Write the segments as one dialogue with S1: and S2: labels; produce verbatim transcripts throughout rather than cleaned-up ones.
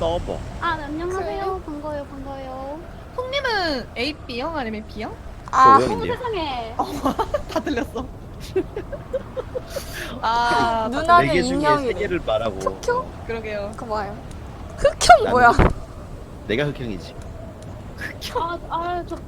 S1: 서버.
S2: 아, 네, 안녕하세요. 반가워요, 반가워요.
S3: 형님은 에이 비형 아니면 B형?
S2: 어머
S1: 저
S3: 아,
S1: 오형인데요.
S2: 세상에.
S3: 다 들렸어. 아,
S4: 누나-
S3: 다
S4: 나는
S1: 네 개 중에 세
S4: 인형이래.
S1: 개를 말하고.
S4: 흑형?
S1: 어,
S3: 그러게요.
S4: 그거 봐요. 흑형
S1: 나는
S4: 뭐야?
S1: 내가 흑형이지.
S2: 아, 아, 저.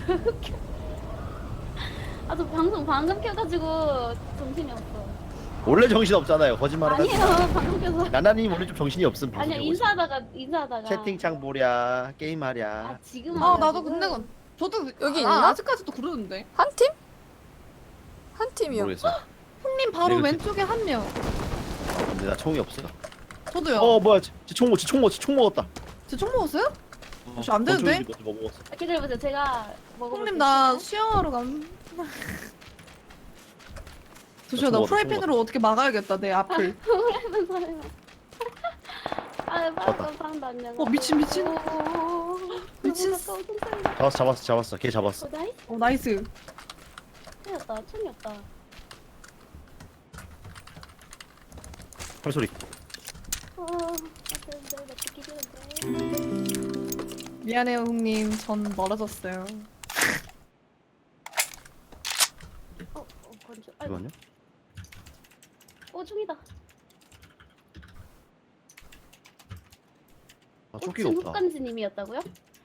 S2: 아, 저 방송 방금 켜가지고 정신이 없어.
S1: 원래 정신 없잖아요. 거짓말을 하지
S2: 아니에요,
S1: 마.
S2: 방금 켜서.
S1: 나나님 원래 좀 정신이 없음.
S2: 아니야,
S1: 방송에 오지.
S2: 인사하다가, 인사하다가.
S1: 채팅창 보랴, 게임하랴.
S2: 아, 지금.
S3: 아,
S2: 와가지고.
S3: 나도 근데 그- 저도
S4: 여기
S3: 아,
S4: 있나?
S3: 아직까지도 그러는데.
S4: 한 팀? 한 팀이요.
S1: 모르겠어.
S3: 형님 바로
S1: 내가
S3: 왼쪽에 한 명.
S1: 근데 나 총이 없어.
S3: 저도요.
S1: 어 뭐야? 쟤총 먹, 쟤총 먹, 총 먹었다.
S3: 제 총 먹었어요?
S1: 어,
S3: 혹시 안 되는데?
S1: 권총인지 뭐 먹었어.
S2: 아, 기다려보세요. 제가 먹어볼게요.
S3: 형님 나 수영하러 감. 조시야 나
S1: 총 먹었다, 총
S3: 프라이팬으로 어떻게 막아야겠다 내 앞을.
S2: 그러면 설마. 아,
S1: 맞다.
S2: 방금 사람도 안녕.
S3: 어, 미친, 미친.
S2: 미친.
S3: 미친.
S2: 가까워, 손가락.
S1: 잡았어, 잡았어, 잡았어. 걔 잡았어.
S2: 어, 나이스.
S3: 어 나이스.
S2: 총이었다, 총이었다.
S1: 팔소리.
S2: 어, 어떤데? 나 듣기 싫은데.
S3: 미안해요 형님. 전 멀어졌어요.
S2: 어, 어, 건조. 아이고.
S1: 이거요?
S2: 어, 총이다.
S1: 아, 조끼가
S2: 꽃은
S1: 없다.
S2: 흑간지님이었다고요?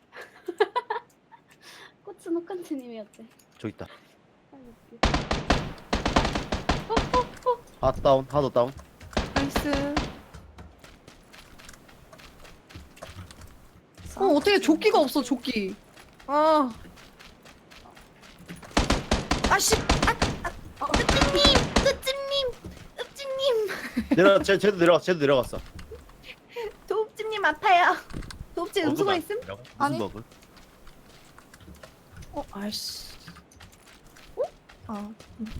S2: 꽃은 흑간지님이었대.
S1: 저기 있다.
S2: 아이고, 웃겨. 어, 어, 어.
S1: 하나 다운, 하나 더 다운.
S3: 나이스. 어 어떻게 조끼가 없어 조끼. 아. 아씨.
S2: 어, 흑진님! 흑진님! 흑진님!
S1: 내려, 쟤, 쟤도 내려갔어, 쟤도 내려갔어.
S3: 도읍집님 아파요. 도읍집 음수가
S1: 버그가
S3: 있음?
S1: 있더라고. 무슨
S4: 아니.
S1: 버그?
S3: 어 아이씨. 어? 아.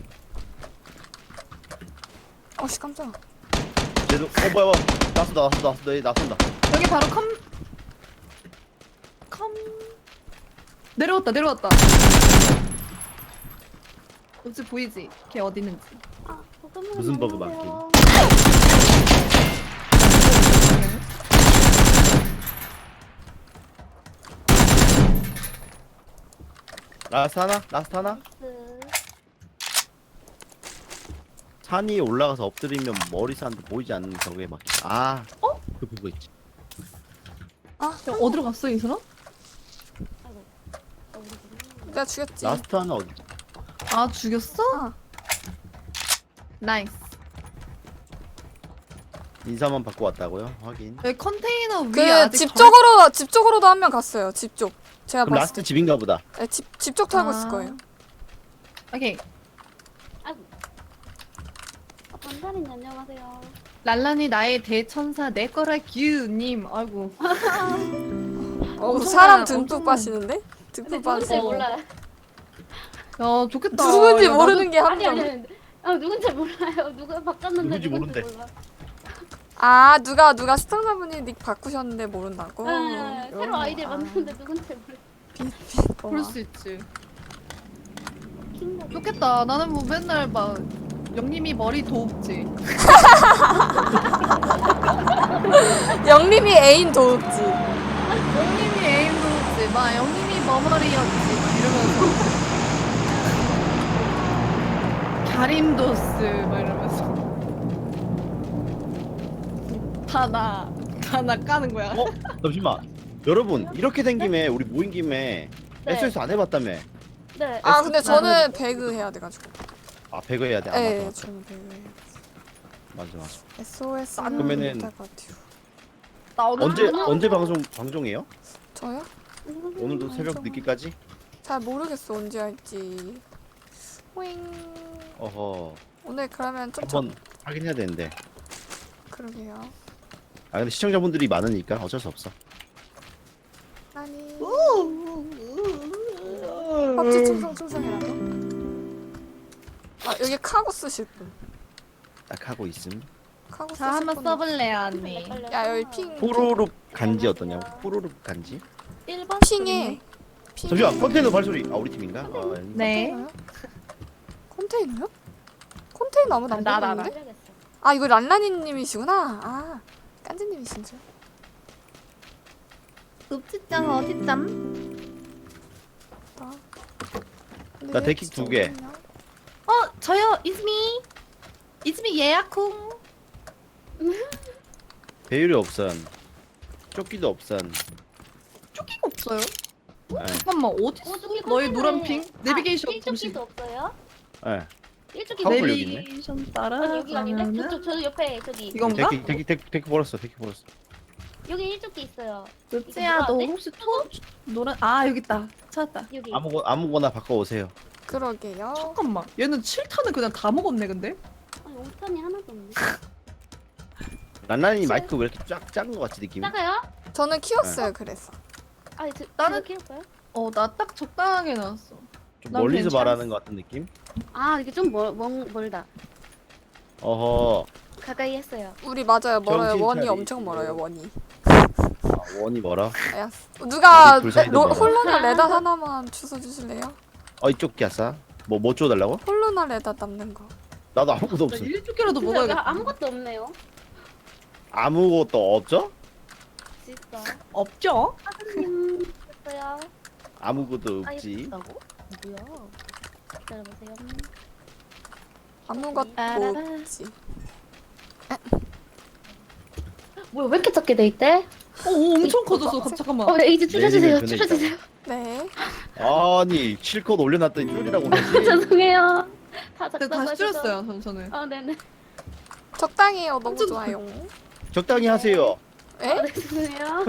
S4: 어씨 깜짝아.
S1: 쟤도, 어 뭐야, 뭐야. 나쏜다, 나쏜다, 나쏜다, 얘 나쏜다.
S3: 여기 바로 컴. 컴. 내려왔다 내려왔다. 도읍집 보이지? 걔 어디 있는지.
S2: 아, 잠깐만요.
S1: 무슨 버그
S2: 안녕하세요.
S1: 라스트 하나? 라스트 하나?
S2: 나이스.
S1: 산 위에 올라가서 엎드리면 머리 산도 보이지 않는 벽에 막혀. 아,
S3: 어?
S1: 그 그거 있지.
S4: 아,
S3: 야, 어디로 갔어 이 사람?
S2: 아이고. 어, 우리
S4: 내가 죽였지.
S1: 라스트 하나 어디?
S3: 아 죽였어?
S4: 아,
S3: 나이스.
S1: 인사만 받고 왔다고요? 확인.
S3: 여기 컨테이너 위에
S4: 그
S3: 아직
S4: 집
S3: 덜-
S4: 쪽으로 집 쪽으로도 한 명 갔어요. 집 쪽. 제가
S1: 그럼
S4: 봤을
S1: 라스트
S4: 때.
S1: 집인가 보다.
S4: 네, 집, 집 쪽 털고
S3: 아.
S4: 있을 거예요.
S3: 오케이.
S2: 아이고. 아, 반달인 안녕하세요.
S3: 랄란이 나의 대천사 내 거라 규님. 아이고.
S4: 어,
S3: 엄청난-
S4: 사람 듬뿍
S3: 엄청난-
S4: 빠시는데?
S2: 근데
S4: 듬뿍
S2: 누군지
S4: 빠시.
S2: 몰라요.
S3: 야 좋겠다.
S4: 누군지
S3: 야,
S4: 모르는 게 한
S2: 아니, 아니,
S4: 명.
S2: 아니. 아, 누군지 몰라요. 누가 바꿨는데
S1: 누군지 모른대.
S2: 몰라.
S4: 아, 누가 누가 시청자분이 닉 바꾸셨는데 모른다고?
S2: 네, 새로
S4: 이런 거.
S2: 아이디를
S4: 아,
S2: 만드는데 누군지 몰라.
S3: 나도
S4: 그거.
S3: 그럴 수 있지.
S2: 킹받아.
S3: 좋겠다. 나는 뭐 맨날 막 영님이 머리 도읍지.
S4: 영림이 애인 도읍지.
S3: 영님이 애인 도읍지. 막 영님이 머머리였지. 막 이러면서. 가림도스 막 이러면서. 다나 다나 까는 거야.
S1: 어? 잠시만. 여러분 이렇게 된 김에 우리 모인 김에
S2: 네.
S1: 에스에스 안 해봤다며.
S2: 네.
S4: 아, 근데
S1: 에스에스
S4: 저는 배그 해야 돼가지고.
S1: 아 배그 해야 돼. 아,
S4: 네,
S1: 맞다, 맞다.
S4: 저는 배그 해야 돼.
S1: 맞아 맞아.
S4: 에스오에스는
S1: 그러면은-
S4: 못할 것 같아요.
S3: 나 오늘
S1: 언제
S2: 아,
S1: 언제 방송 방송해요?
S4: 저요?
S1: 오늘도 새벽
S4: 방송.
S1: 늦게까지?
S4: 잘 모르겠어 언제 할지. 호잉.
S1: 어허.
S4: 오늘 그러면 좀
S1: 한번 확인해야 되는데.
S4: 저... 그러게요.
S1: 아 근데 시청자분들이 많으니까 어쩔 수 없어.
S4: 아니. 법지 충성 충성이라고? 아 여기 카고 쓰실 분.
S1: 딱 하고 있음.
S4: 카고
S3: 자
S4: 쓰실
S3: 한번
S4: 분.
S3: 써볼래요 언니.
S4: 야 여기 핑.
S1: 푸르륵 간지 어떠냐고? 푸르륵 간지?
S2: 일 번
S4: 핑에. 핑.
S1: 잠시만 컨테이너 발소리. 아 우리 팀인가? 아, 아니.
S3: 네.
S4: 컨테이너요? 컨테이너요? 컨테이너 아무도 안
S3: 나, 나,
S4: 보고 있는데? 아 이거 란라니님이시구나. 아 깐지님이신 줄.
S3: 읍지짱 어디짱?
S4: 나,
S1: 나 데킥 두 개.
S3: 어 저요 이즈미 이즈미 예약쿵.
S1: 배율이 없선. 조끼도 없선.
S3: 쪼끼가 없어요?
S1: 예.
S3: 잠깐만 어디
S2: 어, 저기
S3: 너의
S2: 컨테이너에-
S3: 노란 핑? 내비게이션
S2: 아,
S3: 잠시.
S2: 일조끼도 없어요?
S1: 예.
S2: 일조끼
S1: 커플
S2: 없어요.
S1: 여기 있네.
S3: 내비게이션
S2: 아니 여기 아닌데?
S3: 따라가면은
S2: 저쪽 저 옆에 저기
S3: 이건가?
S1: 데킥 데킥 데킥 데킥 벌었어. 데킥 벌었어.
S2: 여기 일조끼 있어요.
S3: 읍지야 너
S2: 누가
S3: 혹시 토 노란 아 여기 있다 찾았다.
S2: 여기.
S1: 아무거 아무거나 바꿔 오세요.
S4: 그러게요.
S3: 잠깐만 얘는 칠 탄은 그냥 다 먹었네 근데?
S2: 아니 옥탄이 하나도 없네.
S1: 란란이 마이크 왜 이렇게 쫙 작은 거 같지 느낌이?
S2: 작아요?
S4: 저는 키웠어요. 그래서.
S2: 아니 저
S3: 나는-
S2: 나는 키울까요?
S3: 어 나 딱 적당하게 나왔어.
S1: 좀
S3: 난
S1: 멀리서
S3: 괜찮았어.
S1: 말하는 거 같은 느낌?
S2: 아 이게 좀 멀, 멀, 멀다.
S1: 어허.
S2: 가까이 했어요.
S4: 우리 맞아요. 멀어요.
S1: 정신
S4: 원이
S1: 차리지.
S4: 엄청 멀어요. 원이.
S1: 아, 원이 뭐라?
S4: 야, 누가
S1: 우리 둘 사이도
S4: 로,
S1: 멀어.
S4: 홀로나 레다 하나만 주워 주실래요?
S1: 어 이쪽 기아싸. 뭐뭐 줘달라고?
S4: 홀로나 레다 남는 거.
S1: 나도 아무것도
S3: 나
S1: 없어.
S3: 일주기라도
S2: 진짜
S3: 먹어야겠다.
S2: 아무것도 없네요.
S1: 아무것도 없죠?
S2: 진짜.
S3: 없죠?
S2: 사장님 됐어요.
S1: 아무것도
S2: 아예
S1: 없지.
S2: 없다고? 뭐야? 기다려보세요.
S4: 아무것도
S3: 따라라.
S4: 없지.
S2: 뭐야 왜 이렇게 작게 돼 있대?
S3: 어 오, 엄청 커졌어. 갑- 잠깐만.
S2: 어 네, 이제 줄여주세요.
S1: 내리면 변해
S2: 줄여주세요.
S4: 네.
S1: 아니 실컷 올려놨더니 줄이라고 그러지.
S2: 죄송해요. 다
S3: 근데
S2: 작다고
S3: 다시
S2: 하셔서.
S3: 줄였어요 전- 저는.
S2: 아 네네.
S4: 적당히 해요. 너무
S3: 완전
S4: 좋아요.
S1: 적당히 하세요.
S2: 아,
S4: 에?
S2: 네 죄송해요.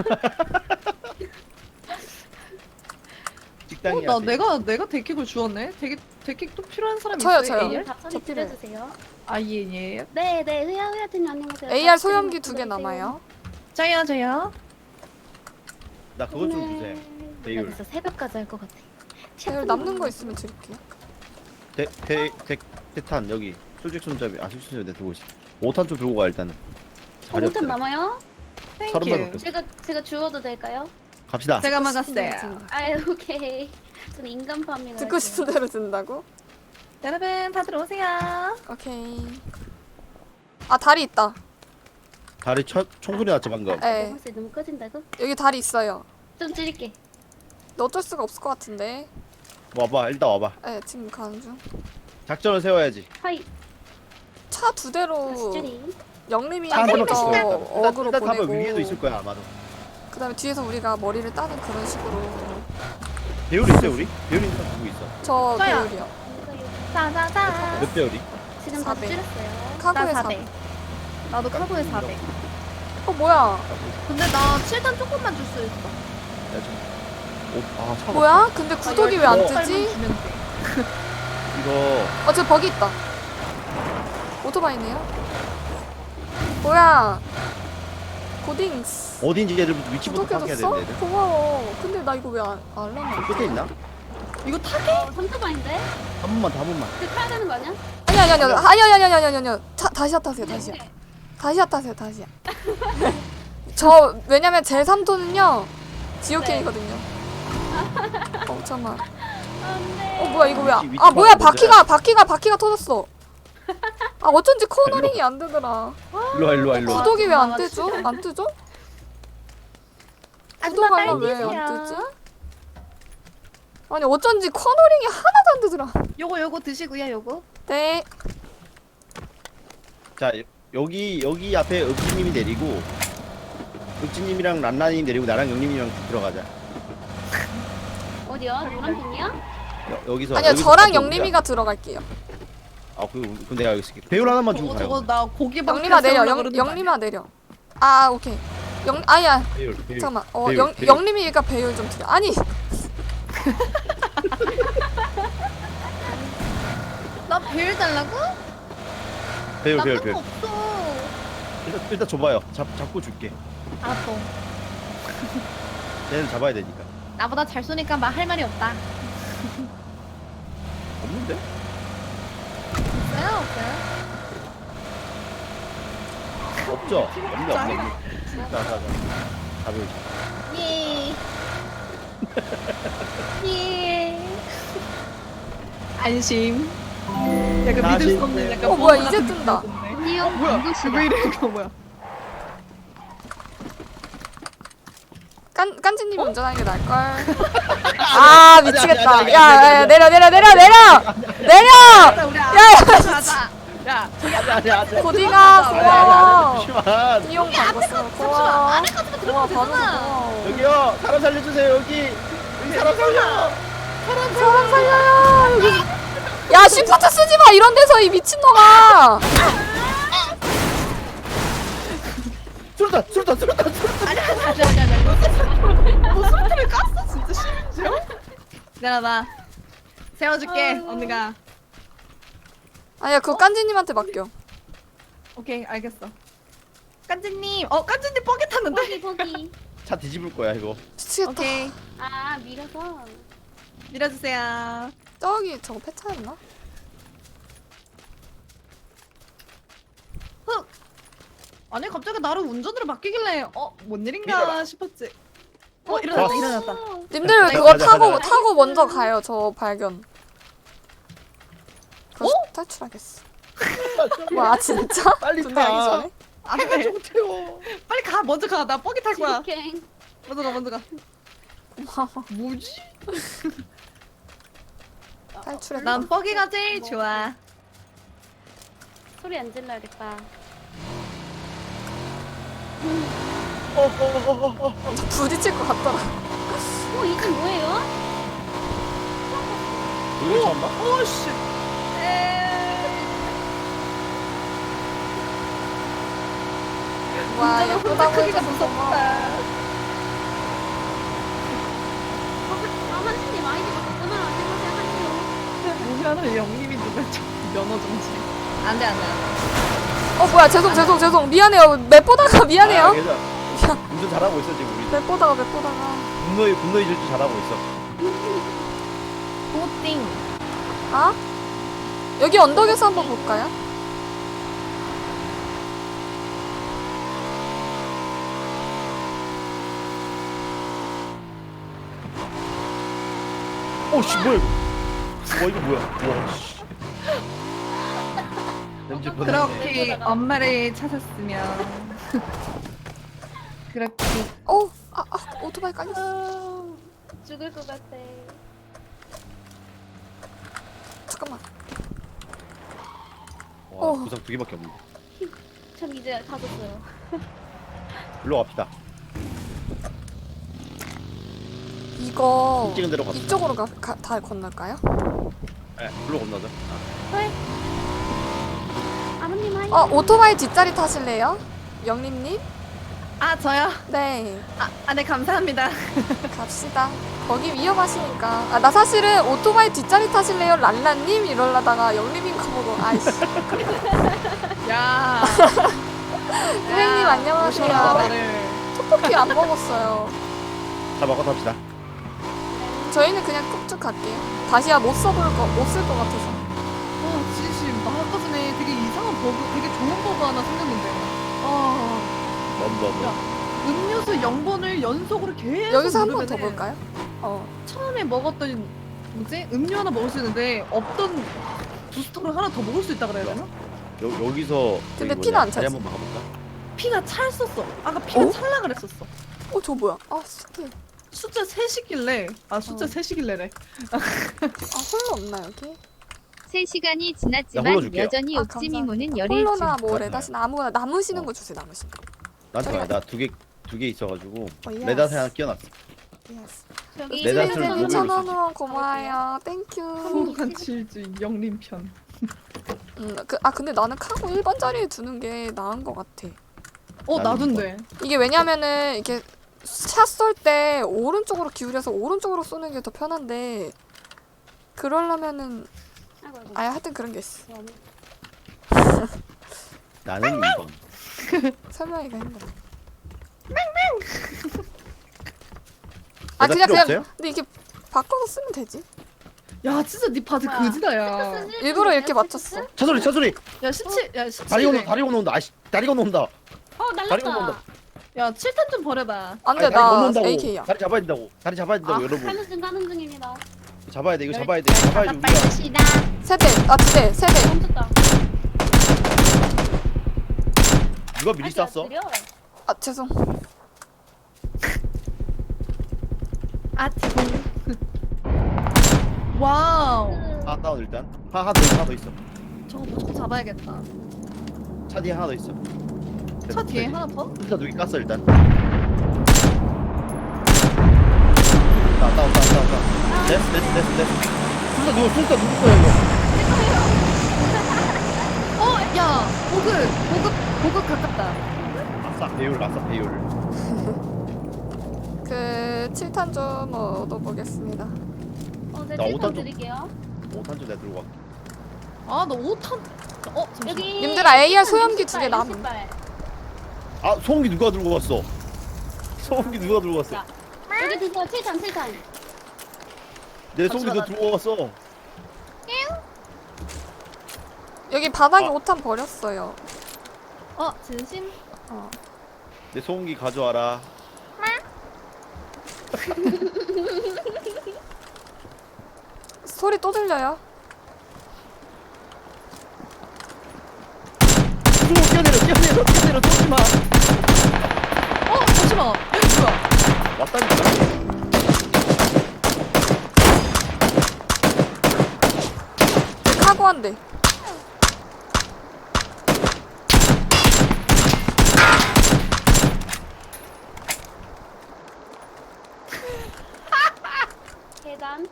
S1: 적당히
S3: 어, 나
S1: 하세요.
S3: 내가 내가 데킥을 주었네. 데킥 데킥 또 필요한 사람
S4: 저요,
S3: 있어요?
S4: 저요.
S3: 에이알?
S2: 다
S4: 저
S2: 처리
S4: 필요해요.
S2: 줄여주세요.
S3: 아예예.
S2: 네네 흐야 흐야팀 안녕하세요.
S4: 에이알 소염기 두 개 남아요.
S3: 저요 저요.
S1: 나 그거 좀 주세요.
S2: 나
S1: 배율.
S2: 진짜 새벽까지 할 것 같아.
S4: 제일 남는 거 있으면 드릴게요.
S1: 대대 대탄 여기 수직 손잡이 아 수직 손잡이 내 들고 있어. 오탄 좀 들고 가 일단은.
S2: 어,
S1: 자리
S2: 오탄
S1: 없더라.
S2: 남아요?
S1: 서른 발
S3: 땡큐.
S1: 밖에 없어.
S2: 제가 제가 주워도 될까요?
S1: 갑시다.
S3: 제가 막았어요.
S2: 아 오케이. 저는 인간 파밍을
S4: 듣고
S2: 할게요.
S4: 싶은 대로 든다고?
S3: 여러분 다 들어오세요.
S4: 오케이. 아 다리 있다.
S1: 다리 첫 총소리 났죠 방금.
S4: 네.
S2: 벌써 너무 꺼진다고?
S4: 여기 다리 있어요.
S2: 좀 찌릴게.
S4: 너 어쩔 수가 없을 것 같은데.
S1: 와봐 일단 와봐.
S4: 네 지금 가는 중.
S1: 작전을 세워야지.
S2: 하이.
S4: 차 두 대로
S2: 수줄이.
S4: 영림이
S1: 차 한번
S4: 먼저
S1: 있어.
S4: 어그로
S1: 일단 가면
S4: 보내고
S1: 위에도 있을 거야 아마도.
S4: 그다음에 뒤에서 우리가 머리를 따는 그런 식으로.
S1: 배율 있어요 우리? 배율 있는 사람 누구 있어?
S4: 저
S3: 저요.
S4: 배율이요.
S3: 짜자자.
S1: 몇 배율이?
S2: 지금 다
S4: 사백.
S2: 줄였어요.
S4: 카고에
S3: 나
S4: 사.
S3: 사백. 나도 카고에 사백.
S4: 어 뭐야?
S3: 근데 나 칠 단 조금만 줄 수 있어.
S1: 오아 차가.
S4: 뭐야? 근데 구독이 왜 안
S1: 어.
S4: 뜨지?
S3: 주면 돼.
S1: 이거
S4: 어, 저 버기 있다. 오토바이네요. 뭐야? 고딩스.
S1: 어딘지 얘들 위치부터 파악해야
S4: 구독해줬어?
S1: 되는데. 얘들.
S4: 고마워. 근데 나 이거 왜 안, 알람
S1: 저
S4: 안
S1: 끝에 있나?
S3: 이거 타게?
S2: 어, 삼토바인데?
S1: 한 번만 한 번만.
S2: 그 타야 되는 거 아니야?
S4: 아니 아니 아니 아니 아니 아니 아니 아니 아니 차, 다시야 타세요 다시야 다시야 타세요 다시야 저 왜냐면 제 삼토는요 지오케이거든요 어 잠깐만
S2: 안돼.
S4: 어 뭐야 이거 왜 아
S1: 위치
S4: 아, 뭐야
S1: 먼저
S4: 바퀴가 바퀴가 바퀴가 터졌어 아 어쩐지 코너링이 안 되더라
S1: 일로 와 일로 와 일로 와.
S4: 구독이 왜 안
S3: 아,
S4: 뜨죠? 안 뜨죠?
S3: 아줌마
S4: 구독 알람
S3: 빨리
S4: 왜 안
S3: 주세요.
S4: 뜨지? 아니 어쩐지 코너링이 하나도 안 되더라
S3: 요거 요거 드시고요 요거.
S4: 네
S1: 자 여기 여기 앞에 읍지님이 내리고 읍지님이랑 란란이 내리고 나랑 영림이랑 들어가자.
S2: 어디야? 노란 핑이야?
S1: 여, 여기서
S4: 아니요
S1: 여기서
S4: 저랑
S1: 가져오자.
S4: 영림이가 들어갈게요
S1: 아 그, 그럼 내가 여기 있을게. 배율 하나만 주고
S3: 저거
S1: 가요.
S3: 저거 나 고기 막
S4: 영림아 내려
S3: 세우려고
S4: 영,
S3: 그러는 거
S4: 영림아 내려 아 오케이 영 아니야
S1: 배율 배율.
S4: 잠깐만 어
S1: 배율,
S4: 영,
S1: 배율.
S4: 영림이가 배율 좀 드려 아니
S3: 나 배율 달라고?
S1: 배율
S3: 나
S1: 배율
S3: 그거
S1: 배율.
S3: 없어.
S1: 일단 일단 줘봐요. 잡 잡고 줄게.
S3: 알았어.
S1: 얘는 잡아야 되니까.
S3: 나보다 잘 쏘니까 막 할 말이 없다.
S1: 없는데?
S3: 없어요 없어요.
S1: 없죠. 없는데 없는데. 자자자. 잡을.
S3: 예. 예. 안심. 약간 믿을 수 없는 약간
S4: 어, 뭐야,
S3: 뻔한
S4: 이제
S3: 느낌
S4: 뜬다.
S3: 드네.
S2: 아니요.
S3: 뭐야? 왜 이래 이거 뭐야?
S4: 깐 깐지님이 운전하는 게 나을 걸. 아 미치겠다.
S1: 아니, 아니, 아니,
S4: 야,
S1: 아니,
S4: 야,
S1: 아니,
S4: 야
S1: 아니.
S4: 내려 내려 내려 내려 내려.
S3: 우리
S4: 야,
S3: 가자 가자. 야 저기
S1: 아니 아니 아니.
S4: 고딩아
S1: 아니
S4: 고마워.
S1: 아니 잠시만.
S4: 이용 광고 쓰고 고마워.
S3: 안에 가서
S4: 고마워
S3: 들어가면
S4: 받아서
S3: 되잖아.
S4: 고마워.
S1: 여기요 사람 살려주세요 여기. 여기 사람 살려.
S4: 사람 살려요 여기. 야 시프트 쓰지 마 이런 데서 이 미친놈아.
S1: 수류탄 수류탄 수류탄 수류탄.
S3: 아니 아니 아니 아니 아니. 너 술탄을 깠어 진짜 심지어? 내려놔. 세워줄게
S2: 아이고.
S3: 언니가.
S4: 아니야 그거 깐지님한테 맡겨.
S3: 오케이 알겠어. 깐지님, 어 깐지님 뻐개 탔는데?
S2: 거기 거기.
S1: 차 뒤집을 거야 이거.
S4: 미치겠다.
S3: 오케이
S2: 아 밀어서.
S3: 밀어주세요.
S4: 저기 저거 폐차였나?
S3: 흑. 아니 갑자기 나를 운전으로 맡기길래 어 뭔 일인가
S1: 밀어라.
S3: 싶었지. 어 일어났다
S1: 좋았어.
S3: 일어났다.
S4: 님들
S3: 네,
S4: 그거
S1: 가자,
S4: 타고
S1: 가자.
S4: 타고 먼저 가요. 저 발견. 그거
S3: 어?
S4: 탈출하겠어. 와 진짜?
S1: 빨리
S4: 분명히
S1: 타.
S4: 전에?
S3: 안돼
S1: 좀 태워.
S3: 빨리 가 먼저 가. 나 뻐개 탈 거야.
S2: 지옥행.
S3: 먼저 가 먼저 가.
S4: 고마워.
S3: 뭐지?
S4: 탈출했다.
S3: 난 뻐개가 제일 좋아.
S2: 소리 안 질러야겠다.
S1: 어어어어.
S4: 부딪힐 것 같더라.
S2: 어, 이 집 뭐예요?
S1: 여기 처음 봐?
S3: 오씨.
S4: 와 예쁘다고
S3: 크기가
S4: 해줘서 고마워.
S3: 무섭다.
S2: 아, 한신님 아이디 바꿨구나. 안녕하세요, 한신님.
S3: 뭐야는 영님이 누가 좀 면허 정지. 안돼 안돼 안돼.
S4: 어 뭐야 죄송 죄송 죄송 미안해요. 맵 보다가
S1: 아,
S4: 미안해요.
S1: 괜찮아.
S4: 미안.
S1: 운전 잘하고 있어 지금 우리.
S4: 맵 보다가 맵 보다가.
S1: 분노의 분노의 질주 잘하고 있어.
S3: 고띵.
S4: 아? 여기 언덕에서 한번 볼까요?
S1: 오씨 뭐야 이거? 와 이거 뭐야? 와 씨. 냄새 보내.
S3: 그렇게 엄마를 찾았으면 그렇게
S4: 어, 아, 아 오토바이 깔렸어.
S2: 아, 죽을 것 같아.
S4: 잠깐만.
S1: 와
S4: 어.
S1: 구상 두 개밖에 없는데.
S2: 전 이제 다 줬어요.
S1: 일로 갑시다.
S4: 이거
S1: 찍은 대로 갑시다.
S4: 이쪽으로 가, 가, 다 건널까요?
S1: 네, 일로 건너자.
S2: 왜? 아버님 하이.
S4: 어 오토바이 뒷자리 타실래요? 영림님?
S3: 아 저요?
S4: 네
S3: 아 네 감사합니다.
S4: 갑시다. 거기 위험하시니까. 아 나 사실은 오토바이 뒷자리 타실래요? 랄라님 이러려다가 영림인 거 보고 아이씨.
S3: 야.
S4: 선생님 안녕하세요.
S3: 나를.
S4: 떡볶이 안 먹었어요.
S1: 자 먹어 탑시다.
S4: 저희는 그냥 꾹쭉 갈게요. 다시야 못 써볼 거, 못 쓸 것 같아서.
S3: 어 진심 나 아까 전에 되게 이상한 버그, 되게 좋은 버그 하나 생겼는데. 아
S1: 넘넘.
S3: 음료수 영 번을 연속으로 계속
S4: 여기서 한 번 더
S3: 누르면은
S4: 볼까요? 어.
S3: 처음에 먹었던 뭐지 음료 하나 먹을 수 있는데 없던 부스터를 하나 더 먹을 수 있다 그래야 되나?
S1: 여 여기서
S4: 근데
S1: 저기
S4: 피는
S1: 뭐냐,
S4: 안
S1: 다리
S4: 차지.
S1: 한번 막아볼까?
S3: 피가 찰었어. 아까 피가
S4: 어?
S3: 찰라 그랬었어.
S4: 어, 저 뭐야? 아, 스킬.
S3: 숫자 셋이길래 아 숫자
S4: 어.
S3: 셋이길래래.
S4: 아, 홀로 없나, 여기?
S5: 세 시간이
S1: 나
S5: 지났지만
S1: 홀러줄게요.
S5: 여전히
S4: 아,
S5: 옥지미모는
S4: 감사합니다.
S5: 열일주.
S4: 홀로나 뭐
S1: 맞아요.
S4: 레다시나 아무거나 남으시는
S1: 어.
S4: 거 주세요, 남으시는 거.
S1: 나한테 와. 나두 개 두 개 있어가지고
S4: 어, 예스.
S1: 레닷 하나 끼워놨어.
S4: 예스.
S2: 저기
S1: 내 자신을
S4: 선생님
S1: 목을
S4: 천
S1: 수
S4: 원으로 고마워요. 땡큐.
S3: 행복한 칠주인 영림 편.
S4: 음, 그, 아, 근데 나는 카고 일 번 자리에 두는 게 나은 것 같아.
S3: 어
S1: 나는
S3: 나둔데.
S4: 이게 왜냐면은, 이게 샷 쏠 때 오른쪽으로 기울여서 오른쪽으로 쏘는 게 더 편한데, 그러려면은,
S2: 아이고, 아이고.
S4: 아, 하여튼 그런 게 있어.
S1: 나는 이 번.
S4: 설명하기가 힘들어. 아,
S1: 레닷
S4: 그냥,
S1: 필요
S4: 그냥,
S1: 없어요?
S4: 근데 이게 바꿔서 쓰면 되지.
S3: 야 진짜 네 바지
S2: 뭐야.
S3: 그지다야.
S4: 일부러 이렇게 맞췄어.
S1: 차 소리 차 소리.
S3: 야 십칠 야 십칠.
S1: 다리 건너 다리 건너온다. 아씨 다리 건너온다.
S2: 어,
S1: 다리 건너온다.
S2: 날랐다.
S3: 야 칠탄 좀 버려봐.
S4: 안 돼,
S1: 아니, 다리
S4: 나
S1: 건너온다고.
S4: 에이케이야.
S1: 다리 잡아야 된다고. 다리 잡아야 된다고
S2: 아,
S1: 여러분.
S2: 가는 중, 가는 중입니다.
S1: 잡아야 돼. 이거 잡아야 돼. 잡아야지 우리가.
S2: 빨리시다.
S4: 세대, 아, 두 대, 세 대.
S2: 멈췄다.
S1: 누가 미리
S2: 아직 안
S1: 쐈어?
S2: 느려.
S4: 아, 죄송.
S3: 아 지금. 와우.
S1: 하나 다운 일단. 하나 하나 더 있어. 하나 더 있어.
S3: 저거 무조건 잡아야겠다.
S1: 차 뒤에 하나 더 있어.
S3: 차 뒤에 하나 더?
S1: 차 누기 깠어 일단. 다운 다운 다운 다운 다운. 됐어 됐어 됐어 됐어. 술사 누구 술사 누구 거야 이거?
S3: 어, 야, 보급, 보급, 보급 가깝다.
S1: 아싸 배율 아싸 배율.
S4: 그 칠 탄 좀 얻어보겠습니다.
S2: 어, 네,
S1: 나
S2: 칠탄
S1: 오탄 좀-
S2: 드릴게요.
S1: 오탄 좀 내가 들고 가.
S3: 아, 너 오 탄. 어, 잠시만.
S2: 여기.
S4: 님들아, 에이알
S2: 칠탄
S4: 소염기
S2: 육십
S4: 두개
S2: 발,
S4: 남음.
S2: 육십 발.
S1: 아 소음기 누가 들고 갔어? 소음기 누가 들고 갔어?
S2: 자, 여기 드세요. 칠탄, 칠탄.
S1: 내 소음기 너
S3: 잠시만,
S1: 들고 갔어.
S4: 여기 바닥에
S1: 아.
S4: 오 탄 버렸어요.
S3: 어, 진심?
S4: 어.
S1: 내 소음기 가져와라.
S4: 소리 또 들려요?
S1: 오 뛰어내려 뛰어내려 뛰어내려 쏘지 마.
S3: 어, 잠시만. 여기 뭐야?
S1: 왔다니까.
S4: 카고 한 대.
S2: 계단.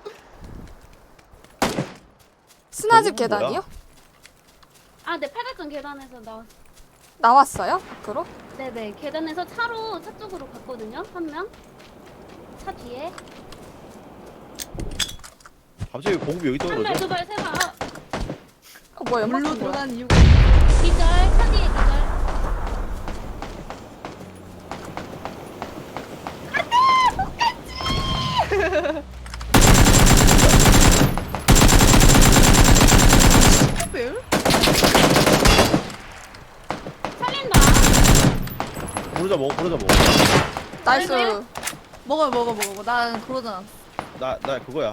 S4: 스나집
S1: 저건
S4: 계단이요?
S2: 아, 네, 팔각정 계단에서 나왔어.
S4: 나왔어요? 밖으로?
S2: 네네, 계단에서 차로 차 쪽으로 갔거든요. 한 명. 차 뒤에.
S1: 갑자기 공부 여기
S2: 한 발,
S1: 떨어져.
S2: 두 발, 세 발. 아,
S4: 어, 뭐야, 연막
S3: 물로
S4: 한 거야?
S3: 들어간 이유가.
S2: 기절, 차 뒤에 기절.
S3: 배율?
S2: 살린다.
S1: 부르자 먹어 부르자 먹어.
S4: 나이스.
S2: 아니고요?
S3: 먹어, 먹어, 먹어, 먹어. 난 그러잖아.
S1: 나 나 그거야.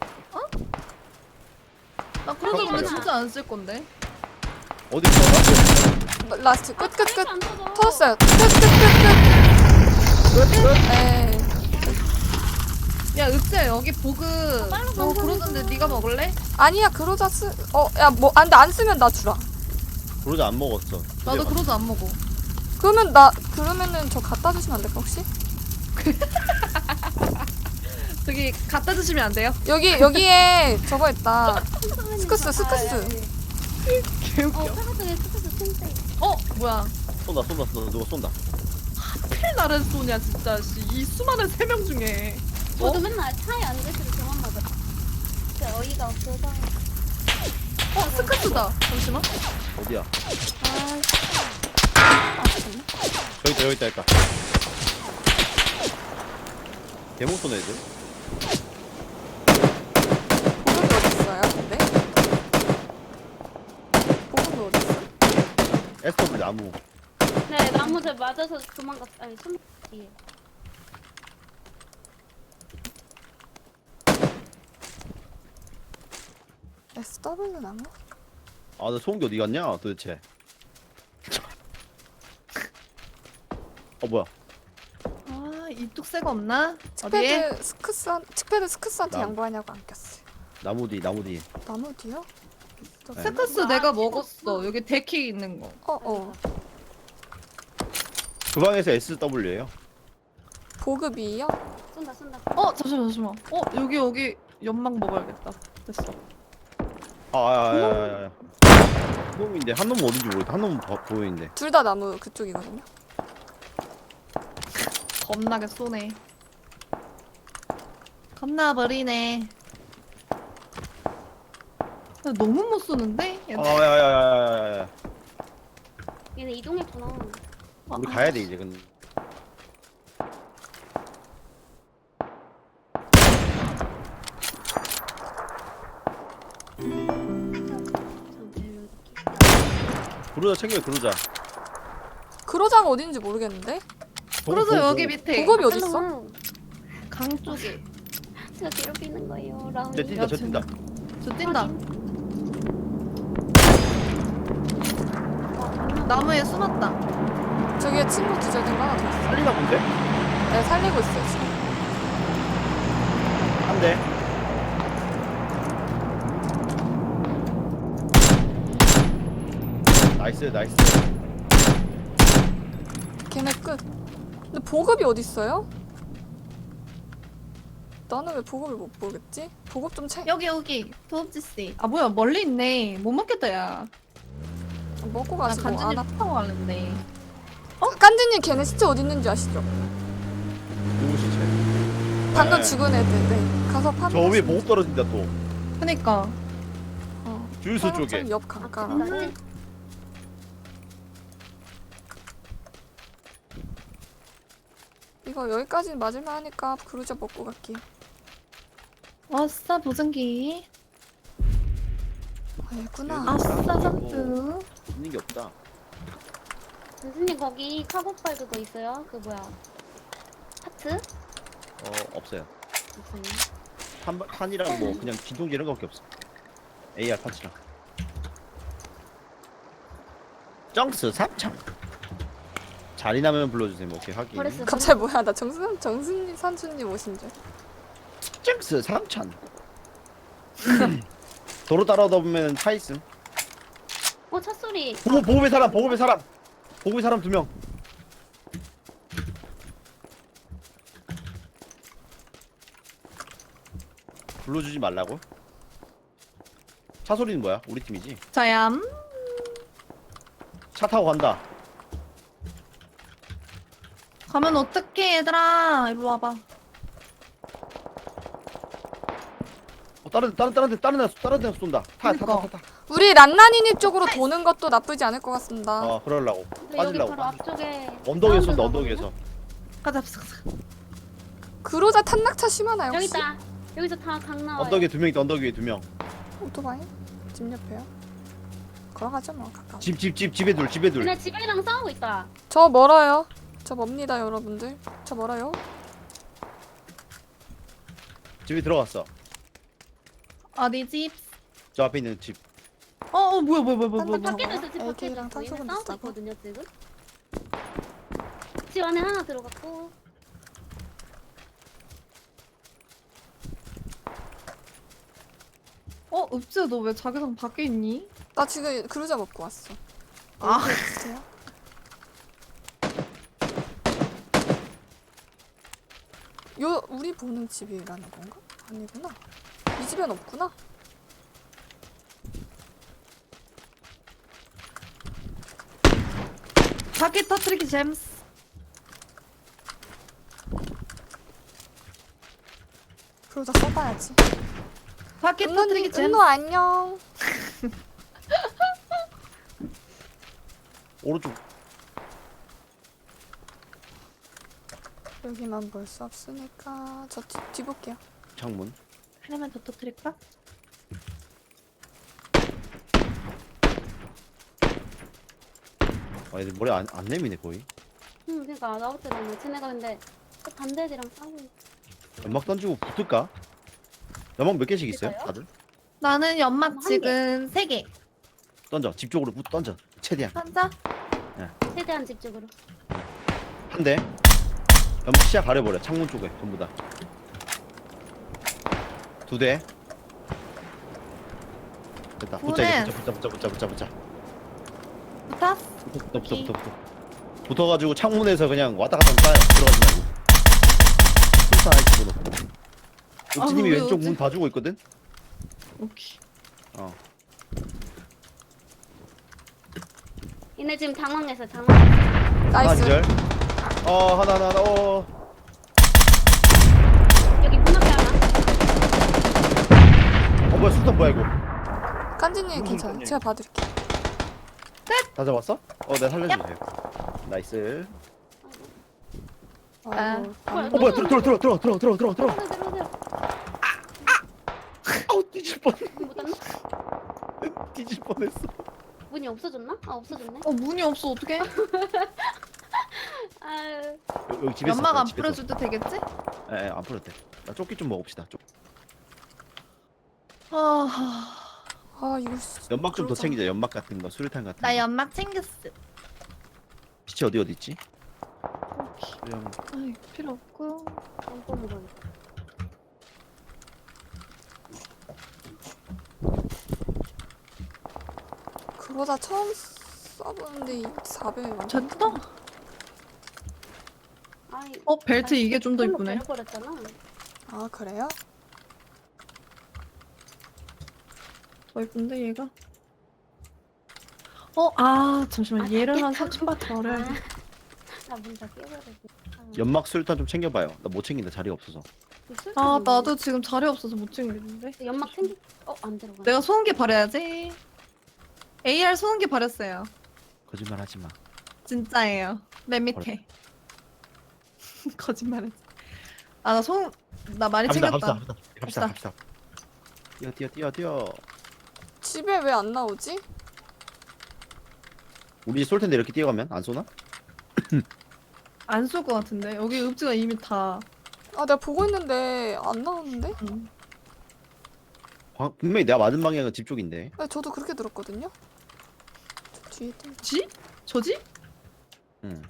S3: 나 그러자 근데
S1: 그렇구나.
S3: 진짜 안 쓸 건데.
S1: 어디 있어?
S4: 라스트. 끝, 끝, 끝.
S2: 아, 안 터져.
S4: 터졌어요. 끝, 끝, 끝,
S1: 끝 끝.
S4: 끝. 에이.
S3: 야, 읍지야 여기 보급.
S2: 빨리
S3: 너
S2: 가자.
S3: 그러던데 네가 먹을래?
S4: 아니야, 그러자 쓰. 어, 야, 뭐, 안 돼, 안 쓰면 나 주라.
S1: 부르자 안 먹었어.
S3: 나도 그러자 안 먹어.
S4: 그러면 나, 그러면은 저 갖다 주시면 안 될까, 혹시?
S3: 저기 갖다 주시면 안 돼요?
S4: 여기, 여기에 저거 있다. 스크스, 스크스.
S2: 아, 여기.
S3: 개웃겨.
S2: 어, 팔각정에 스크스 틴트.
S3: 어, 뭐야?
S1: 쏜다 쏜다 쏜다 누가 쏜다.
S3: 필 나를 쏘냐 진짜. 씨. 이 수많은 세 명 중에.
S2: 저도 맨날 차에 앉아있을 때만 맞아. 진짜 어이가 없어서.
S3: 어, 스크스다. 잠시만.
S1: 어디야?
S3: 아,
S1: 저기 있다 여기 있다 할까. 대목 쏘네 애들.
S4: 보급이 어딨어요, 근데? 보급이 어딨어?
S1: 에스더블 나무.
S2: 네, 나무 제 맞아서 도망갔, 아니, 숨, 예.
S4: 에스더블유 나무?
S1: 아나 소음기 어디 갔냐 도대체. 어 뭐야?
S3: 아, 이 뚝새가 없나? 어디에?
S4: 칙패드 스크스, 칙패드 스크스한테
S1: 나무.
S4: 양보하냐고 안 꼈어요.
S1: 나무 뒤 나무 뒤.
S4: 나무 뒤요?
S1: 네.
S3: 스크스 내가 먹었어. 여기 데키 있는 거.
S4: 어, 어.
S1: 그 방에서 에스더블유예요.
S4: 보급이요?
S2: 쏜다, 쏜다.
S3: 어, 잠시만, 잠시만. 어, 여기 여기 연막 먹어야겠다. 됐어.
S1: 아야야야야. 한 놈인데 한 놈은 어딘지 모르겠다. 한 놈은 보- 보이는데.
S4: 둘 다 나무 그쪽이거든요.
S3: 겁나게 쏘네. 겁나 버리네. 나 너무 못 쏘는데? 얘-
S1: 아야야야야야.
S2: 얘네 이동했구나.
S1: 우리 가야 돼 이제 근데. 그러자 챙겨 그러자.
S4: 그러자가 어딘지 모르겠는데?
S3: 그러자 여기 밑에
S4: 보급이 어딨어?
S2: 헬로.
S3: 강 쪽에.
S2: 제가 괴롭히는 거예요, 라운이.
S1: 저 뛴다 저 뛴다.
S3: 저 뛴다.
S2: 와, 장난.
S3: 나무에 숨었다.
S4: 저기에 친구 기절된 거 하나 더 있어.
S1: 살리나 본데?
S4: 네, 살리고 있어요, 지금.
S1: 대. 나이스 나이스.
S4: 걔네 끝. 근데 보급이 어딨어요? 나는 왜 보급을 못 보겠지? 보급 좀 채.
S3: 여기 여기 도읍지 씨. 아 뭐야 멀리 있네. 못 먹겠다 야.
S4: 먹고
S3: 나
S4: 가시고
S3: 간지님
S4: 안 와.
S3: 타고 갈랬네.
S4: 깐지님 걔네 시체 어디 있는지 아시죠?
S1: 누구 시체?
S4: 방금
S1: 네.
S4: 죽은 애들. 네. 가서 파밍.
S1: 저 위에 보급 떨어진다 또.
S3: 그니까.
S4: 어.
S1: 주유소 쪽에.
S4: 사격장 옆 강가라.
S2: 음.
S4: 이거 여기까지 맞을만 하니까 그루저 먹고 갈게요.
S3: 아싸 보증기.
S4: 아, 얘구나.
S1: 아.
S3: 아싸
S1: 뭐.
S3: 점프.
S1: 있는 게 없다.
S2: 교수님 거기 카고팔 그거 있어요? 그 뭐야? 하트?
S1: 어 없어요.
S2: 없어요.
S1: 탄 탄이랑 뭐 그냥 진통제 이런 거밖에 없어. 에이알 파츠랑. 정스 삼창. 자리 나면 불러주세요. 뭐 오케이 확인.
S2: 버렸어요.
S4: 갑자기 뭐야? 나 정순 정순님 선수님 오신 줄.
S1: 정스 삼천. 도로 따라오다 보면 차 있음.
S2: 어, 차 소리.
S1: 보급 보급의 사람 보급의 사람. 보급의 사람 두 명. 불러주지 말라고? 차 소리는 뭐야? 우리 팀이지?
S3: 자얌.
S1: 차 타고 간다.
S3: 가면 어떡해 얘들아. 이리 와봐.
S1: 어, 다른 다른 다른 데 다른 데 다른 데 쏜다. 타 타 타
S3: 그러니까.
S1: 타 타.
S4: 우리 란나니님 쪽으로 도는 것도 나쁘지 않을 것 같습니다.
S1: 어 그러려고.
S2: 근데 여기
S1: 빠질라고.
S2: 바로 앞쪽에
S1: 언덕에
S2: 사운드
S1: 쏜다
S2: 나거든요?
S1: 언덕에서.
S3: 가자 가자 가자.
S4: 그로자 탄낙차 심하나요
S2: 여기
S4: 혹시?
S2: 있다. 여기서 다 강 나와요.
S1: 언덕에 두 명 있다. 언덕 위에 두 명.
S4: 오토바이? 집 옆에요? 걸어가죠 뭐 가까워.
S1: 집 집 집 집에 둘 집에 둘.
S2: 근데 집이랑 싸우고 있다.
S4: 저 멀어요. 저 멉니다 여러분들. 저 멀어요.
S1: 집에 들어갔어.
S3: 어디 집?
S1: 저 앞에 있는 집.
S3: 어, 어 뭐야 뭐야 뭐야 뭐야 뭐야.
S2: 밖에도 있어. 집 밖에도
S4: 에이케이랑
S2: 있어. 얘네
S4: 탄소금
S2: 싸우고
S4: 비슷하고.
S2: 있거든요 지금. 집 안에 하나 들어갔고.
S3: 어 읍지야 너 왜 자기장 밖에 있니?
S4: 나 지금 그루자 먹고 왔어.
S3: 아.
S4: 주세요. 요 우리 보는 집이라는 건가? 아니구나. 이 집엔 없구나.
S3: 바퀴 터트리기 잼스.
S4: 그러다 써봐야지.
S3: 바퀴
S4: 은노님,
S3: 터트리기 잼스.
S4: 은노 안녕.
S1: 오른쪽.
S4: 여기만 볼 수 없으니까 저 뒤, 뒤 볼게요.
S1: 창문.
S3: 하나만 더 터트릴까?
S1: 아 얘들 머리 안, 안 내미네 거의.
S2: 응, 그러니까 나올 때는 쟤네가 근데 또 반대 애들이랑 싸우고 있어.
S1: 연막 던지고 붙을까? 연막 몇 개씩 있어요?
S2: 붙을까요?
S1: 다들?
S3: 나는 연막
S2: 한
S3: 지금 세 개.
S1: 던져. 집 쪽으로 붙 던져. 최대한.
S3: 한자.
S2: 최대한 집 쪽으로.
S1: 한 대. 연막 시야 가려버려. 창문 쪽에 전부 다. 두 대. 됐다. 붙자 이제
S3: 오네.
S1: 붙자 붙자 붙자 붙자 붙자.
S3: 붙었어.
S1: 붙어 붙어 붙어 붙어 붙어. 붙어가지고 창문에서 그냥 왔다 갔다 하면 싸요. 들어가지 말고. 술사 하나 집어넣고. 옥지님이
S3: 아, 왜
S1: 왼쪽
S3: 옥지?
S1: 문 봐주고 있거든.
S3: 오케이.
S1: 어.
S2: 얘네 지금 당황해서 당황.
S1: 하나
S4: 나이스.
S1: 기절. 어 하나 하나 하나. 어.
S2: 여기 문 앞에 하나.
S1: 어 뭐야 술탄 뭐야 이거?
S4: 깐지님
S1: 무슨
S4: 괜찮아요.
S1: 소리야?
S4: 제가 봐드릴게요.
S1: 다 잡았어? 어 내가 살려주세요. 나이스.
S4: 어,
S3: 아.
S4: 아니,
S1: 어 뭐야 들어 들어 들어 들어 들어 들어 들어 들어.
S2: 들어 들어 들어.
S1: 아우 뒤질 뻔.
S2: 못 왔나?
S1: 뒤질 뻔했어.
S2: 문이 없어졌나? 아 없어졌네.
S3: 어 문이 없어 어떡해?
S2: 아
S1: 여기, 여기 집에서.
S3: 연막 안
S1: 집에서.
S3: 뿌려줄 때 되겠지?
S1: 예, 예, 안 풀어도 돼. 나 쪼끼 좀 먹읍시다. 쪽.
S3: 아,
S4: 아 이거 씨,
S1: 연막 좀 더
S4: 그러자.
S1: 챙기자. 연막 같은 거, 수류탄 같은
S3: 나
S1: 거.
S3: 연막 챙겼어.
S1: 시체 어디 어디 있지?
S3: 오케이.
S1: 수령.
S3: 아이 필요 없고.
S2: 안 뽑은 거.
S4: 저보다 처음 써보는데 사배 완전.
S3: 됐다.
S2: 아이,
S3: 어 벨트 이게 좀 더 이쁘네.
S2: 버렸잖아.
S4: 아 그래요?
S3: 더 이쁜데 얘가. 어 아 잠시만
S2: 아,
S3: 얘를 한
S2: 닫겠다고?
S3: 삼천 바트 덜어야 돼.
S2: 나문다 깨버렸어.
S1: 연막 술탄 좀 챙겨봐요. 나 못 챙긴다 자리가 없어서.
S3: 아 나도 지금 자리 없어서 못 챙기는데.
S2: 연막 챙기. 어안 들어가.
S3: 내가 소음기 버려야지. 에이알 소음기 버렸어요.
S1: 거짓말 하지 마.
S3: 진짜예요. 맨 밑에. 거짓말했지. 아나 소음 나 많이
S1: 갑시다
S3: 챙겼다.
S1: 갑시다 갑시다 갑시다. 뛰어 뛰어 뛰어 뛰어.
S4: 집에 왜 안 나오지?
S1: 우리 쏠 텐데 이렇게 뛰어가면 안 쏘나?
S3: 안 쏠 것 같은데 여기 읍지가 이미 다.
S4: 아 내가 보고 있는데 안 나오는데?
S3: 음.
S1: 방- 분명히 내가 맞은 방향은 집 쪽인데.
S4: 네, 저도 그렇게 들었거든요. 저 뒤에 또
S3: 지? 저지?
S1: 응.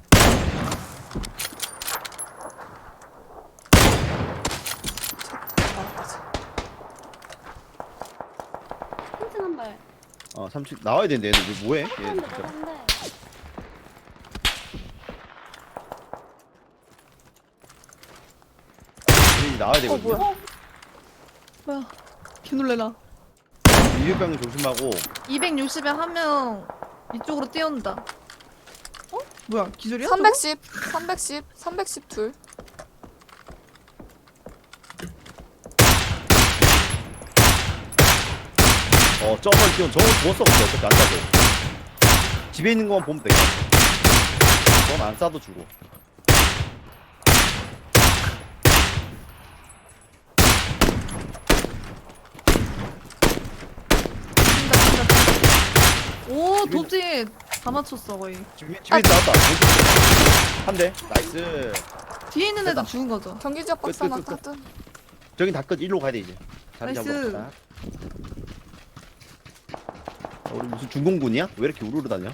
S4: 나가지.
S2: 한층 한 발.
S1: 어 삼 층 나와야 되는데 얘는 왜 뭐해? 얘
S2: 한대
S1: 진짜.
S2: 한대.
S1: 얘 나와야 되거든요.
S4: 뭐야?
S3: 뭐야? 개놀래라.
S1: 유효병 조심하고.
S3: 이백육십에 한 명 이쪽으로 뛰어온다. 어? 뭐야? 기절이야? 저거?
S4: 삼백십, 삼백십, 삼백십 둘.
S1: 어 저걸 뛰어 저거 죽었어 근데 어차피 안 싸도. 집에 있는 것만 보면 되겠다. 저건 안 싸도 주고.
S3: 오 도지 다 맞췄어 거의.
S1: 집에 집에 나왔다. 한 대. 나이스.
S3: 뒤에 있는 애도
S1: 됐다.
S3: 죽은 거죠.
S4: 경기 지역 박사
S1: 끝, 끝, 끝,
S4: 나거든.
S1: 저긴 다 끝. 일로 가야 돼 이제. 자리
S3: 나이스.
S1: 잡읍시다. 어, 우리 무슨 중공군이야? 왜 이렇게 우르르 다녀?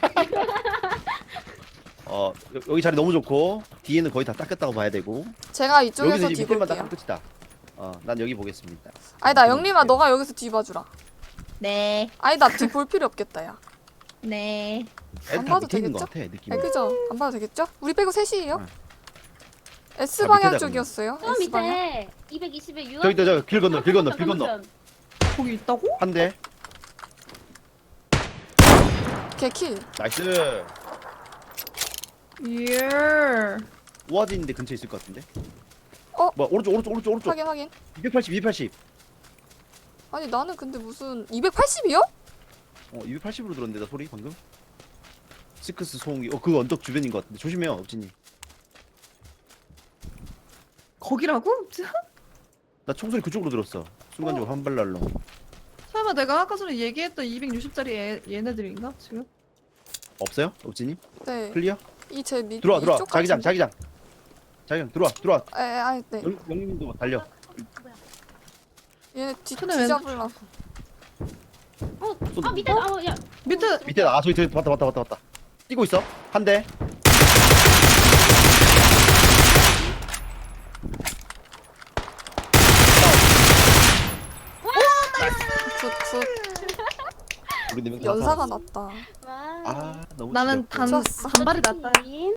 S1: 어 여- 여기 자리 너무 좋고 뒤에는 거의 다 닦였다고 봐야 되고
S4: 제가 이쪽에서
S1: 여기서 이제 밑에만
S4: 뒤볼게요.
S1: 닦으면 끝이다. 어난 여기 보겠습니다.
S4: 아니다 영림아 너가 여기서 뒤봐주라.
S3: 네.
S4: 아니다 뒤 볼 필요 없겠다 야.
S3: 네.
S1: 애들
S4: 안
S1: 다
S4: 봐도
S1: 밑에 있는 것
S4: 되겠죠?
S1: 같아 느낌이.
S4: 아 그죠? 안 봐도 되겠죠? 우리 빼고 셋이에요?
S1: 응.
S4: S
S1: 아,
S4: 방향
S1: 밑에다
S4: 쪽이었어요.
S2: 저
S4: S 방향.
S2: 밑에 이백이십에 유한.
S1: 저기 저기 길 건너 길 건너 길 건너
S3: 거기 있다고?
S1: 한 대.
S4: 개킬.
S1: 나이스.
S3: 예.
S1: 우아진인데 근처에 있을 것 같은데.
S4: 어?
S1: 뭐 오른쪽 오른쪽 오른쪽 오른쪽.
S4: 확인 확인.
S1: 이백팔십 이백팔십.
S4: 아니 나는 근데 무슨 이백팔십이요?
S1: 어 이백팔십으로 들었는데 나 소리 방금. 시크스 소음기. 어그 언덕 주변인 것 같은데 조심해요 업진이.
S3: 거기라고?
S1: 나 총소리 그쪽으로 들었어. 순간적으로 한 발 날로.
S3: 설마 내가 아까 전에 얘기했던 이백육십짜리 얘, 얘네들인가 지금?
S1: 없어요? 업진이?
S4: 네.
S1: 클리어?
S4: 이제 밑
S1: 들어와 들어와.
S4: 이쪽
S1: 자기장
S4: 같은데?
S1: 자기장. 자기장 들어와 들어와.
S4: 에, 아, 네.
S1: 영 영님도 달려.
S2: 뭐야?
S4: 얘네 뒤
S3: 손에 왼-
S4: 뒤잡으려.
S2: 어,
S1: 쏘다.
S2: 아 밑에 아 야.
S3: 밑에
S1: 밑에 아 저기 저기 왔다 왔다 왔다 왔다. 뛰고 있어. 한 대.
S4: 굿굿.
S1: 우리 네명
S4: 연사가 났다.
S2: 와.
S1: 아 너무
S3: 나는
S1: 지겹고.
S3: 단
S4: 좋았어.
S3: 단발이 낫다.
S2: 인